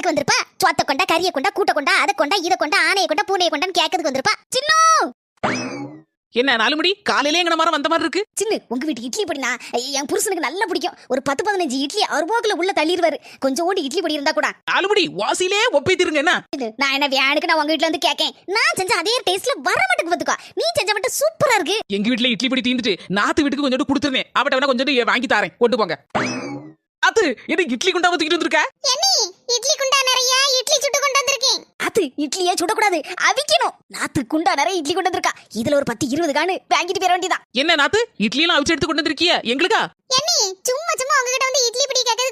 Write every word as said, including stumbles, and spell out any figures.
எதுக்கு வந்திருப்பா? சொத்த கொண்டா, கறிய கொண்டா, கூட்ட கொண்டா, அதை கொண்டா, இதை கொண்டா, ஆனையை கொண்டா, பூனையை கொண்டான்னு கேட்கறதுக்கு வந்திருப்பா. சின்னோ என்ன நாலு மணி காலையிலே எங்கன மரம் வந்த மாதிரி இருக்கு. சின்ன உங்க வீட்டு இட்லி பொடினா என் புருஷனுக்கு நல்லா பிடிக்கும். ஒரு பத்து பதினஞ்சு இட்லி அவர் போக்குல உள்ள தள்ளிடுவாரு. கொஞ்சோண்டு இட்லி பொடி இருந்தா கூட. நாலு மணி வாசிலே ஒப்பைத்திருங்க. என்ன நான் என்ன வேணுக்கு நான் உங்க வீட்டுல வந்து கேட்கேன். நான் செஞ்ச அதே டேஸ்ட்ல வர மாட்டுக்கு பாத்துக்கோ. நீ செஞ்ச மட்டும் சூப்பரா இருக்கு. எங்க வீட்டுல இட்லி பொடி தீந்துட்டு நாத்து வீட்டுக்கு கொஞ்சோண்டு கொடுத்துருந்தேன். அவட்ட வேணா கொஞ்சோண்டு வாங்கி தாரேன், கொண்டு போங்க. அது என்ன இட்லி குண்டா ஊத்திக்கிட்டு வந்திருக்க? என்னி இட்லி குண்டா நிறைய இட்லி சுட்டு கொண்டு வந்திருக்கேன். அது இட்லியே சுடக்கூடாது, அவிக்கணும். நாத்து குண்டா நிறைய இட்லி கொண்டு வந்திருக்கா. இதுல ஒரு பத்து இருபது காணு வாங்கிட்டு போயிட வேண்டியதான். என்ன நாத்து இட்லி எல்லாம் அவிச்சு எடுத்து கொண்டு வந்திருக்கிய எங்களுக்கா? என்னி சும்மா சும்மா உங்ககிட்ட வந்து இட்லி பிடி கேட்க